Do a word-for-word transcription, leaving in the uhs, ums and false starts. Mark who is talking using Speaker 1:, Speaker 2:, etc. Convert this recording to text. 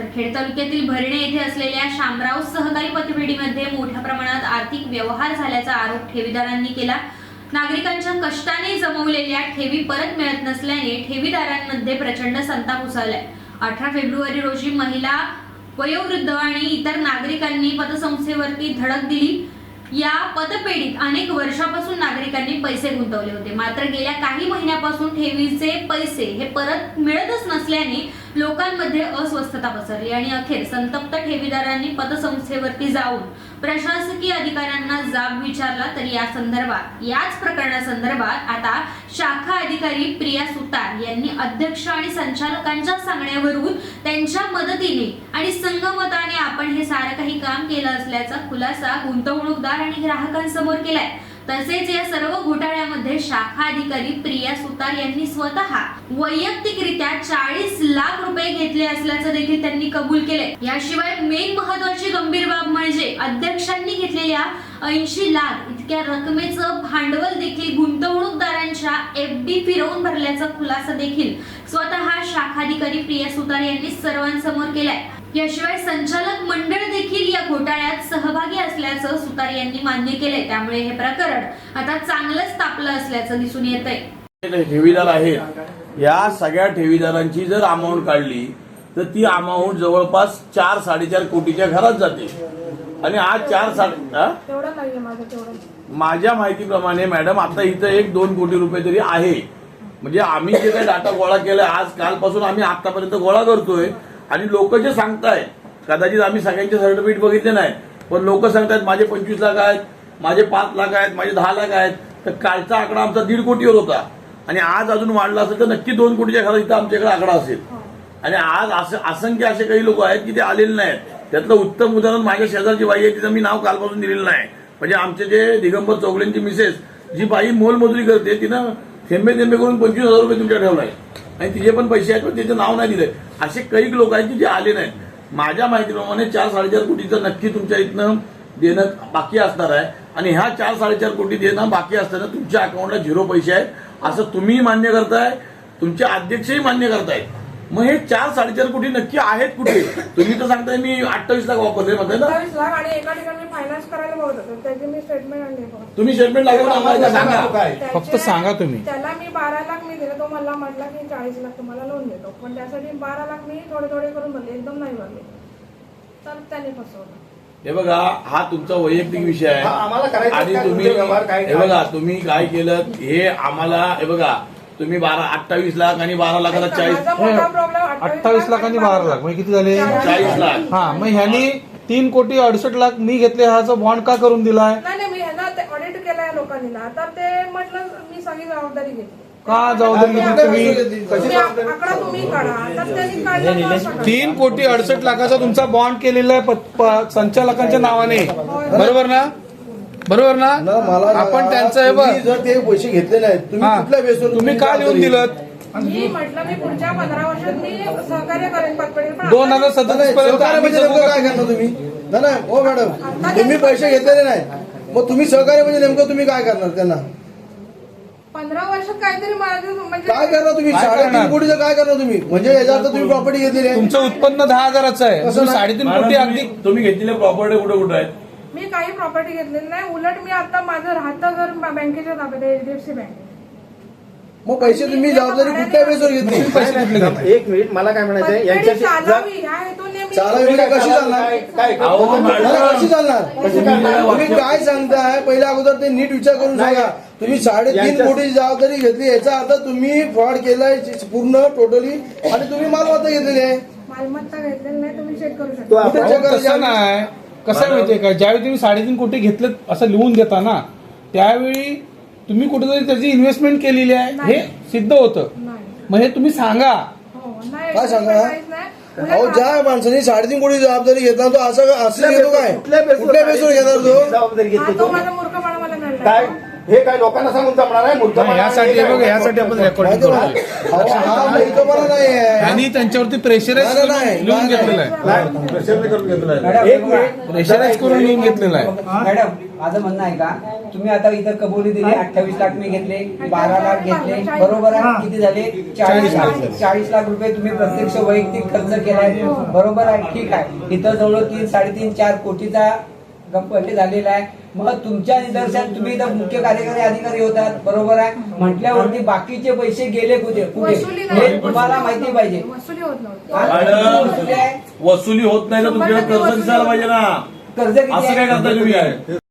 Speaker 1: खेड तालुक्यातील भरणे येथे असलेल्या शामराव सहकारी पतपेढीमध्ये मोठ्या प्रमाणात आर्थिक व्यवहार झाल्याचा आरोप ठेवीदारांनी केला। नागरिकांच्या कष्टाने जमवलेल्या ठेवी परत मिळत नसल्याने ठेवीदारांमध्ये प्रचंड संताप उसळलाय। अठरा फेब्रुवारी रोजी महिला, वयोवृद्ध आणि इतर नागरिकांनी पतसंस्थेवरती धडक दिली। या पतपेढीत अनेक वर्षापासून नागरिकांनी पैसे गुंतवले होते, मात्र गेल्या काही महिन्यापासून ठेवीचे पैसे हे परत मिळतच नसल्याने लोकांमध्ये अस्वस्थता पसरली आणि अखेर संतप्त ठेवीदारांनी पतसंस्थेवरती जाऊन प्रशासकीय अधिकाऱ्यांना जाब विचारला। तर या संदर्भात याच प्रकरणासंदर्भात आता शाखा अधिकारी प्रिया सुतार यांनी अध्यक्ष आणि संचालकांच्या सांगण्यावरून त्यांच्या मदतीने आणि संगमताने आपण हे सारं काही काम केलं असल्याचा खुलासा गुंतवणूकदार आणि ग्राहकांसमोर केलाय। तसेच या सर्व घोटाळ्यामध्ये शाखा अधिकारी प्रिया सुतार यांनी स्वतः वैयक्तिकरित्या चाळीस लाख रुपये घेतले असल्याचं देखील त्यांनी कबूल केले। याशिवाय मेन महत्त्वाची गंभीर बाब म्हणजे अध्यक्षांनी घेतलेल्या ऐंशी लाख इतक्या रकमेचं भांडवल देखील गुंतवणूकदारांच्या एफडी फिरवून भरल्याचा खुलासा देखील स्वतः शाखाधिकारी प्रिया सुतार यांनी सर्वांसमोर केलाय। याशिवाय संचालक मंडळ देखील या घोटाळ्यात सहभागी असल्याचं सुतार यांनी मान्य केलंय। त्यामुळे हे प्रकरण आता चांगलंच तापलं असल्याचं दिसून येतंय।
Speaker 2: ठेवीदार आहेत, या सगळ्या ठेवीदारांची जर अमाऊंट काढली तर ती अमाऊंट जवळपास चार साडेचार कोटीच्या घरात जाते आणि आज चार साडे माझ्या माहितीप्रमाणे मॅडम आता इथं एक दोन कोटी रुपये तरी आहे। म्हणजे आम्ही जे काही डाटा गोळा केलाय आज कालपासून आम्ही आतापर्यंत गोळा करतोय आणि लोक जे सांगतायत, कदाचित आम्ही सगळ्यांचे सर्टिफिकेट बघितले नाही, पण लोक सांगतायत माझे पंचवीस लाख आहेत, माझे पाच लाख आहेत, माझे दहा लाख आहेत। तर कालचा आकडा आमचा दीड कोटीवर होता आणि आज अजून वाढला असेल तर नक्की दोन कोटीच्या घरात इथं आमच्याकडे आकडा असेल। आणि आज असं असंख्य असे काही लोक आहेत की ते आलेले नाहीत। त्यातलं उत्तम उदाहरण माझ्या शेजारची बाई आहे, तिचं मी नाव कालपासून दिलेलं नाही। म्हणजे आमचे जे दिगंबर चौगलेंची मिसेस जी बाई मोलमजुरी करते, तिनं थेंबे थेंबे करून पंचवीस हजार रुपये तुमच्या ठेवलाय आणि तिचे पण पैसे आहेत पण त्याचं नाव नाही दिलंय। असे काही लोक आहेत की जे आले नाहीत। माझ्या माहितीप्रमाणे चार साडेचार कोटीचं नक्की तुमच्या इथनं देणं बाकी असणार आहे आणि ह्या चार साडेचार कोटी देणं बाकी असताना तुमच्या अकाउंटला झिरो पैसे आहेत असं तुम्ही मान्य करताय, तुमचे अध्यक्षही मान्य करतायत। मग हे चार साडेचार कोटी नक्की आहेत कुठे? तुम्ही तर सांगताय मी अठ्ठावीस लाख वापरले म्हणताय ना,
Speaker 3: अठ्ठावीस लाख आणि एका ठिकाणी फायनान्स करायला बघत होतो, त्याची मी स्टेटमेंट आणली।
Speaker 2: तुम्ही स्टेटमेंट लागेल आम्हाला सांगा,
Speaker 4: फक्त सांगा तुम्ही।
Speaker 3: त्याला मी बारा लाख मी दिले, तो मला म्हटला की चाळीस लाख तुम्हाला लोन देतो, पण त्यासाठी बारा लाख मी थोडे थोडे करून भरले, एकदम नाही भरले, तर त्याने फसवलं।
Speaker 2: हे बघा, हा तुमचा वैयक्तिक विषय आहे आणि तुम्ही हे बघा तुम्ही काय केलं हे आम्हाला हे बघा तुम्ही बारा अठ्ठावीस लाख आणि बारा लाखाला चाळीस
Speaker 4: अठ्ठावीस लाख आणि बारा लाख म्हणजे किती झाले?
Speaker 2: चाळीस लाख।
Speaker 4: हा, मग ह्यांनी तीन कोटी अडुसष्ट लाख मी घेतले, ह्याचा बॉन्ड का करून दिलाय?
Speaker 3: नाही, मी ह्यांना ते ऑडिट केलंय लोकांनी ना, तर ते म्हटलं मी सगळी जबाबदारी घेतली।
Speaker 4: का जबाबदारी घेतली तुम्ही?
Speaker 3: आकडा तुम्ही काढा, तर त्यांनी काढला
Speaker 4: तीन कोटी अडुसष्ट लाखाचा तुमचा बॉन्ड केलेला आहे संचालकांच्या नावाने, बरोबर ना? बरोबर ना? आपण त्यांचं हे बघ,
Speaker 5: जर ते पैसे घेतले नाहीत तुम्ही कुठल्या बेसवर
Speaker 4: तुम्ही का लिहून दिलं?
Speaker 3: मी म्हटलं मी पुढच्या पंधरा वर्षात मी सहकार्य करेन पतपेढीला।
Speaker 4: दोन हजार सत्तावीस पर्यंत
Speaker 5: म्हणजे नेमकं काय करणार तुम्ही? नाही नाही हो मॅडम, तुम्ही पैसे घेतलेले नाही, मग तुम्ही सहकार्य म्हणजे नेमकं तुम्ही काय करणार त्यांना?
Speaker 3: पंधरा वर्षात काहीतरी माझं म्हणजे
Speaker 5: काय करणार तुम्ही? साडेतीन कोटीचं काय करणार तुम्ही? म्हणजे याच्यात तुम्ही प्रॉपर्टी घेतलेली आहे,
Speaker 4: तुमचं उत्पन्न दहा हजाराचं आहे, तुम्ही साडेतीन कोटी अगदी
Speaker 2: तुम्ही घेतलेल्या प्रॉपर्टी कुठे कुठे आहेत?
Speaker 3: मी काही प्रॉपर्टी घेतलेली नाही, उलट मी आता माझं राहतं घर बँकेच्या ताब्यात आहे, एचडीएफसी बँक।
Speaker 5: मग पैसे तुम्ही जबाबदारी कुठल्या बेसवर घेतली?
Speaker 4: पैसे कुठले घेतले?
Speaker 6: एक मिनिट, मला काय म्हणायचंय यांच्याशी
Speaker 3: चालावी ह्या हेतूने मी-
Speaker 5: चालावी म्हणजे कशी चालणार? कशी चालणार? तुम्ही काय सांगताय पहिल्या अगोदर ते नीट विचार करून सांगा। तुम्ही साडेतीन कोटीची जबाबदारी घेतली, याचा अर्थ तुम्ही फ्रॉड केलाय पूर्ण टोटली आणि तुम्ही मालमत्ता घेतलेली आहे।
Speaker 3: मालमत्ता घेतलेली नाही, तुम्ही चेक करू शकता।
Speaker 4: कसं नाही, कसं आहे माहितीये का, ज्यावेळी तुम्ही साडेतीन कोटी घेतले असं लिहून देता ना, त्यावेळी तुम्ही कुठेतरी त्याची इन्व्हेस्टमेंट केलेली आहे हे सिद्ध होतं। मग हे तुम्ही सांगा।
Speaker 5: काय सांगा? अहो, ज्या माणसाने साडेतीन कोटी जबाबदारी घेतला तो असं असं घेतो काय? कुठल्या बेसवर घेणार तो?
Speaker 6: जबाबदारी घेतली
Speaker 3: तो माझा मूर्खपणा मला कळला।
Speaker 6: काय हे काय लोकांना सांगून जमणार आहे मुद्दा
Speaker 4: नाही, यासाठी बघा यासाठी आपण रेकॉर्डिंग
Speaker 5: माहिती
Speaker 4: करतोय
Speaker 5: ना हा माहितपणा नाही आहे
Speaker 4: आणि त्यांच्यावरती प्रेशराईज
Speaker 5: नाही, नाही, नाही,
Speaker 4: लिहून
Speaker 5: नाही,
Speaker 4: घेतलेलं आहे
Speaker 2: प्रेशरने करून घेतलं आहे.
Speaker 6: एक मिनिट
Speaker 4: प्रेशराईज करून लिहून घेतलेलं आहे
Speaker 7: मॅडम माझं म्हणणं आहे का तुम्ही आता इथं कबुली दिली अठ्ठावीस लाख मी घेतले बारा लाख घेतले बरोबर आहे किती झाले चाळीस लाख चाळीस लाख रुपये तुम्ही प्रत्यक्ष वैयक्तिक खर्च केलाय बरोबर आहे ठीक आहे इथं जवळ तीन साडेतीन चार कोटीचा गप्पे झालेला आहे मग तुमच्या निदर्शनात तुम्ही इथं मुख्य कार्यकारी अधिकारी होतात बरोबर आहे म्हटल्यावरती बाकीचे पैसे गेले कुठे कुठे
Speaker 3: वसुली
Speaker 7: हे
Speaker 3: नाही.
Speaker 7: तुम्हाला माहिती पाहिजे
Speaker 3: वसुली होत नव्हती
Speaker 7: हा?
Speaker 2: मॅडम,
Speaker 7: वसुली आहे.
Speaker 2: वसुली होत नाही तर तुमच्याकडे कर्ज दिसायला पाहिजे ना.
Speaker 7: कर्ज किती
Speaker 2: असं
Speaker 7: आहे?
Speaker 2: काय करताय तुम्ही?